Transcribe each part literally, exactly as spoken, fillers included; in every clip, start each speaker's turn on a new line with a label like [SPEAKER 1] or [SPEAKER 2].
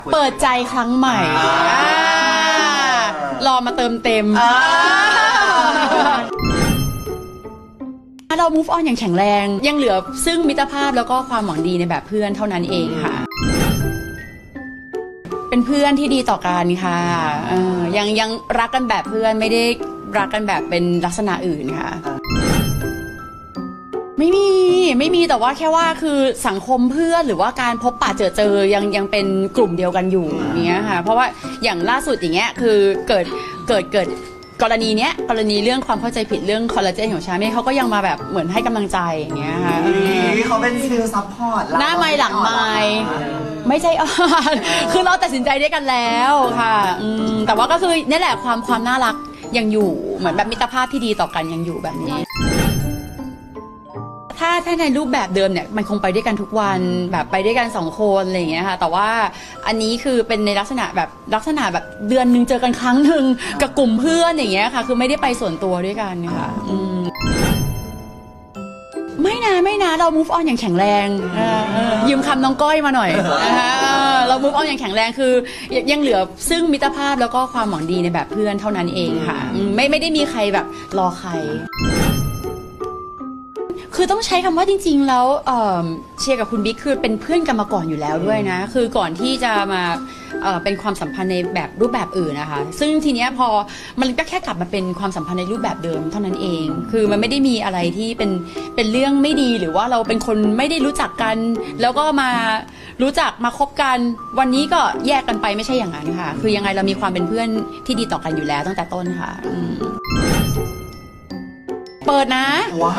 [SPEAKER 1] เปิดใจครั้งใหม่รอมาเติมเต็มเรา move on อย่างแข็งแรงยังเหลือซึ่งมิตรภาพแล้วก็ความหวังดีในแบบเพื่อนเท่านั้นเองค่ะเป็นเพื่อนที่ดีต่อกันค่ะยังยังรักกันแบบเพื่อนไม่ได้รักกันแบบเป็นลักษณะอื่นค่ะไม่มีไม่มีแต่ว่าแค่ว่าคือสังคมเพื่อนหรือว่าการพบปะเจอเจอยังยังเป็นกลุ่มเดียวกันอยู่อย่างเงี้ยค่ะเพราะว่าอย่างล่าสุดอย่างเงี้ยคือเกิดเกิดเกิดกรณีเนี้ยกรณีเรื่องความเข้าใจผิดเรื่องคอลลาเจนของชาเม่เขาก็ยังมาแบบเหมือนให้กำลังใจอย่างเงี้ยค่ะ
[SPEAKER 2] เขาเป็นฟิลซัพพอร์ต
[SPEAKER 1] หน้าไม้หลังไม้ไม่ใช่อ่อนคือเราตัดสินใจด้วยกันแล้วค่ะแต่ว่าก็คือนี่แหละความความน่ารักยังอยู่เหมือนแบบมิตรภาพที่ดีต่อกันยังอยู่แบบนี้ถ้าถ้าในรูปแบบเดิมเนี่ยมันคงไปด้วยกันทุกวันแบบไปด้วยกันสองคนอะไรอย่างเงี้ยค่ะแต่ว่าอันนี้คือเป็นในลักษณะแบบลักษณะแบบเดือนนึงเจอกันครั้งหนึ่งกับกลุ่มเพื่อนอย่างเงี้ยค่ะคือไม่ได้ไปส่วนตัวด้วยกันค่ะไม่นะไม่นะเรา move on อย่างแข็งแรงยืมคำน้องก้อยมาหน่อยนะคะเรา move on อย่างแข็งแรงคือยังเหลือซึ่งมิตรภาพแล้วก็ความหวังดีในแบบเพื่อนเท่านั้นเองค่ะไม่ไม่ได้มีใครแบบรอใครคือต้องใช้คำว่าจริงๆแล้วเชียร์กับคุณบิ๊กคือเป็นเพื่อนกันมาก่อนอยู่แล้วด้วยนะคือก่อนที่จะมาเป็นความสัมพันธ์ในแบบรูปแบบอื่นนะคะซึ่งทีเนี้ยพอมันก็แค่กลับมาเป็นความสัมพันธ์ในรูปแบบเดิมเท่านั้นเองคือมันไม่ได้มีอะไรที่เป็นเป็นเรื่องไม่ดีหรือว่าเราเป็นคนไม่ได้รู้จักกันแล้วก็มารู้จักมาคบกันวันนี้ก็แยกกันไปไม่ใช่อย่างนั้นค่ะคือยังไงเรามีความเป็นเพื่อนที่ดีต่อกันอยู่แล้วตั้งแต่ต้นค่ะเปิดนะ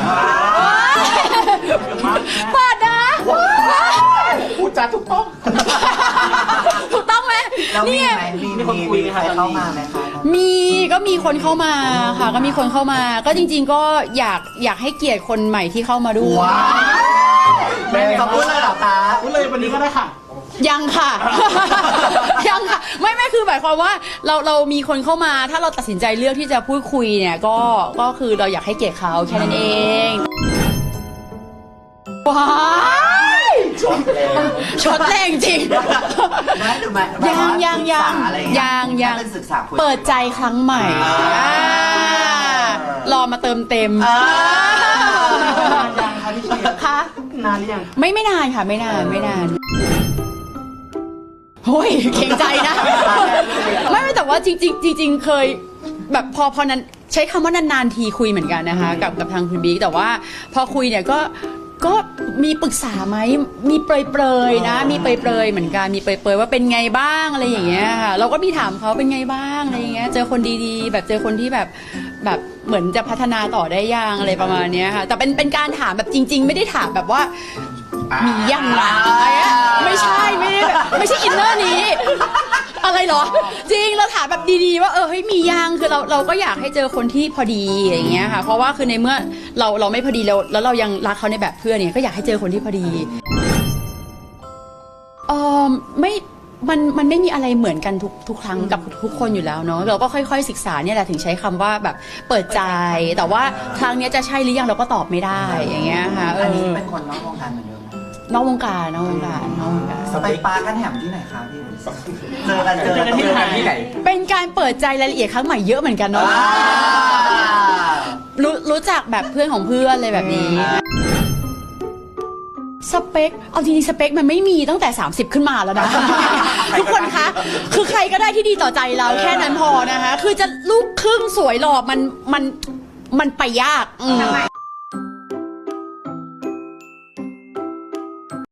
[SPEAKER 1] เปิดนะ
[SPEAKER 3] พูดจาถูกต้อง
[SPEAKER 1] ถูกต้องไหม
[SPEAKER 2] นี่ไงมีคนคุยใครเข้ามาไหมคะ
[SPEAKER 1] มีก็มีคนเข้ามาค่ะก็มีคนเข้ามาก็จริงๆก็อยากอยากให้เกียรติคนใหม่ที่เข้ามาด้วย
[SPEAKER 2] แม่จะพูดเลยหรอคะ
[SPEAKER 3] พูดเลยวันนี้ก็ได้ค่ะ
[SPEAKER 1] ยังค่ะยังค่ะไม่ไม่คือหมายความว่าเราเรามีคนเข้ามาถ้าเราตัดสินใจเลือกที่จะพูดคุยเนี่ยก็ก็คือเราอยากให้เกียรติเขาแค่นั้นเองว้ายช็อตแรงจริงยังยังยังยังยังเปิดใจครั้งใหม่รอมาเติมเต็มค่ะ
[SPEAKER 3] นานหรือยัง
[SPEAKER 1] ไม่ไม่นานค่ะไม่นานไม่นานโอ้ยเก่งใจนะไม่ไม่แต่ว่าจริงจริงจริงเคยแบบพอพอนั้นใช้คำว่านานๆทีคุยเหมือนกันนะคะกับกับทางคุณบิ๊กแต่ว่าพอคุยเนี่ยก็ก็มีปรึกษาไหมมีเปรยๆนะมีเปรยๆเหมือนกันมีเปรยๆว่าเป็นไงบ้างอะไรอย่างเงี้ยค่ะเราก็มีถามเขาเป็นไงบ้างอะไรอย่างเงี้ยเจอคนดีๆแบบเจอคนที่แบบแบบเหมือนจะพัฒนาต่อได้ยังอะไรประมาณนี้ค่ะแต่เป็นเป็นการถามแบบจริงๆไม่ได้ถามแบบว่ามียังไงไม่ใช่ไม่ได้แบบไม่ใช่อินเนอร์นี้อะไรหรอจริงเราถามแบบดีๆว่าเออเฮ้ยมียังคือเราเราก็อยากให้เจอคนที่พอดีอย่างเงี้ยค่ะเพราะว่าคือในเมื่อเราเราไม่พอดีแล้วแล้วเรายังรักเขาในแบบเพื่อนเนี่ยก็อยากให้เจอคนที่พอดีเออไม่มันมันไม่มีอะไรเหมือนกันทุกทุกครั้งกับทุกคนอยู่แล้วเนาะเราก็ค่อยๆศึกษาเนี่ยแหละถึงใช้คำว่าแบบเปิดใจแต่ว่าครั้งนี้จะใช่หรือยังเราก็ตอบไม่ได้อย่างเงี้ยค่ะ
[SPEAKER 2] อันนี้เป็นคนนอกวงการเหมือนเดิม
[SPEAKER 1] นอกวงการนอกวงการนอกวงการ
[SPEAKER 2] ไปปากันแหมที่ไหนคะพี่เจอกันเจอกันที่ไหน
[SPEAKER 1] เป็นการเปิดใจรายละเอียดครั้งใหม่เยอะเหมือนกันเนาะรู้รู้จักแบบเพื่อนของเพื่อนเลยแบบนี้สเปคเอาจริงๆสเปคมันไม่มีตั้งแต่สามสิบขึ้นมาแล้วนะทุกคนคะคือใครก็ได้ที่ดีต่อใจเราแค่นั้นพอนะคะคือจะลูกครึ่งสวยหล่อมันมันมันไปยาก